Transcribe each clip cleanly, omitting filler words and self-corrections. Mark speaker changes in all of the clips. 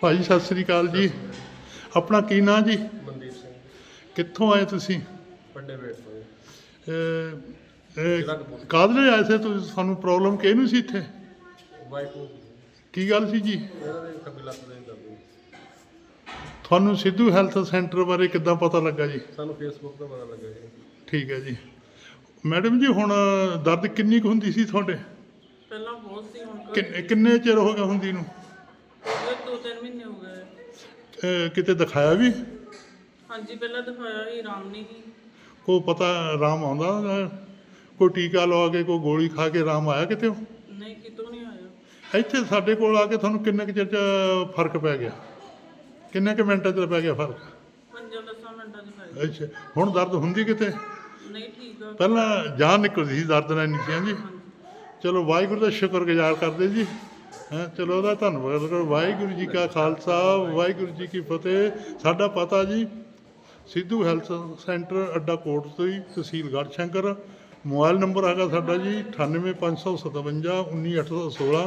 Speaker 1: ਭਾਜੀ ਸਤਿ ਸ੍ਰੀ ਅਕਾਲ ਜੀ। ਆਪਣਾ ਕੀ ਨਾਂ ਜੀ?
Speaker 2: ਮਨਦੀਪ ਸਿੰਘ
Speaker 1: ਕਿੱਥੋਂ ਆਏ ਤੁਸੀਂ?
Speaker 2: ਵੱਡੇ ਵੇਟ ਤੋਂ
Speaker 1: ਕਾਹਦੇ ਲਈ ਆਏ ਸੀ ਤੁਸੀਂ? ਸਾਨੂੰ ਪ੍ਰੋਬਲਮ ਕਿਹਨੂੰ ਸੀ ਇੱਥੇ?
Speaker 2: ਵਾਈਫ ਨੂੰ
Speaker 1: ਕੀ ਗੱਲ ਸੀ ਜੀ?
Speaker 2: ਇਹਨਾਂ ਦੇ ਖੱਬੀ ਲੱਤ ਦੇ ਦਰਦ।
Speaker 1: ਤੁਹਾਨੂੰ ਸਿੱਧੂ ਹੈਲਥ ਸੈਂਟਰ ਬਾਰੇ ਕਿੱਦਾਂ ਪਤਾ ਲੱਗਾ ਜੀ?
Speaker 2: ਸਾਨੂੰ ਫੇਸਬੁੱਕ ਤੋਂ ਪਤਾ ਲੱਗਾ ਜੀ।
Speaker 1: ਠੀਕ ਹੈ ਜੀ। ਮੈਡਮ ਜੀ ਹੁਣ ਦਰਦ ਕਿੰਨੀ ਕੁ ਹੁੰਦੀ ਸੀ ਤੁਹਾਡੇ?
Speaker 3: ਪਹਿਲਾਂ ਬਹੁਤ ਸੀ, ਹੁਣ
Speaker 1: ਕਿੰਨੇ ਚਿਰ ਹੋ ਗਿਆ ਹੁੰਦੀ ਨੂੰ?
Speaker 3: 2-3 ਮਹੀਨੇ ਹੋ ਗਏ।
Speaker 1: ਕਿਤੇ ਦਿਖਾਇਆ ਵੀ?
Speaker 3: ਹਾਂਜੀ, ਪਹਿਲਾਂ ਦਿਖਾਇਆ ਸੀ, ਆਰਾਮ ਨਹੀਂ ਸੀ।
Speaker 1: ਕੋਈ ਪਤਾ ਆਰਾਮ ਆਉਂਦਾ? ਕੋਈ ਟੀਕਾ ਲਵਾ ਕੇ ਕੋਈ ਗੋਲੀ ਖਾ ਕੇ ਆਰਾਮ ਆਇਆ ਕਿਤੇ?
Speaker 3: ਨਹੀਂ, ਕਿਤੋਂ ਨਹੀਂ ਆਇਆ।
Speaker 1: ਇੱਥੇ ਸਾਡੇ ਕੋਲ ਆ ਕੇ ਤੁਹਾਨੂੰ ਕਿੰਨੇ ਕੁ ਚਿਰ 'ਚ ਫਰਕ ਪੈ ਗਿਆ? ਕਿੰਨੇ ਕੁ ਮਿੰਟਾਂ 'ਚ ਪੈ ਗਿਆ ਫਰਕ?
Speaker 3: 5-10 ਮਿੰਟਾਂ 'ਚ ਪੈ ਗਿਆ।
Speaker 1: ਅੱਛਾ, ਹੁਣ ਦਰਦ ਹੁੰਦੀ ਕਿਤੇ?
Speaker 3: ਨਹੀਂ, ਠੀਕ ਆ।
Speaker 1: ਪਹਿਲਾਂ ਜਾਨ ਨਿਕਲਦੀ ਸੀ, ਦਰਦ ਨਾਲ ਨਹੀਂ ਸੀ। ਹਾਂਜੀ, ਚਲੋ ਵਾਹਿਗੁਰੂ ਦਾ ਸ਼ੁਕਰਗੁਜ਼ਾਰ ਕਰਦੇ ਜੀ। ਚਲੋ ਉਹਦਾ ਧੰਨਵਾਦ ਕਰੋ। ਵਾਹਿਗੁਰੂ ਜੀ ਕਾ ਖਾਲਸਾ, ਵਾਹਿਗੁਰੂ ਜੀ ਕੀ ਫਤਿਹ। ਸਾਡਾ ਪਤਾ ਜੀ ਸਿੱਧੂ ਹੈਲਥ ਸੈਂਟਰ ਅੱਡਾ ਕੋਟ ਤੋਂ ਹੀ, ਤਹਿਸੀਲ ਗੜ੍ਹਸ਼ੰਕਰ। ਮੋਬਾਈਲ ਨੰਬਰ ਹੈਗਾ ਸਾਡਾ ਜੀ 9855 19816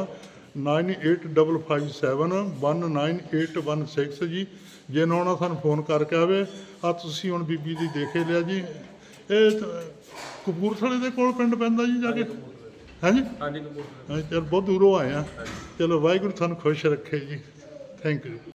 Speaker 1: 9855719816 ਜੀ। ਜੇ ਨਾ ਆਉਣਾ ਸਾਨੂੰ ਫੋਨ ਕਰਕੇ ਆਵੇ। ਆ ਤੁਸੀਂ ਹੁਣ ਬੀਬੀ ਦੀ ਦੇਖੇ ਲਿਆ ਜੀ। ਇਹ ਕਪੂਰਥਲੇ ਦੇ ਕੋਲ ਪਿੰਡ ਪੈਂਦਾ ਜੀ ਜਾ ਕੇ? ਹਾਂਜੀ
Speaker 2: ਹਾਂਜੀ ਕਪੂਰਥਲੇ।
Speaker 1: ਚਲ ਬਹੁਤ ਦੂਰੋਂ ਆਏ ਆ। ਚਲੋ ਵਾਹਿਗੁਰੂ ਤੁਹਾਨੂੰ ਖੁਸ਼ ਰੱਖੇ ਜੀ। Thank you.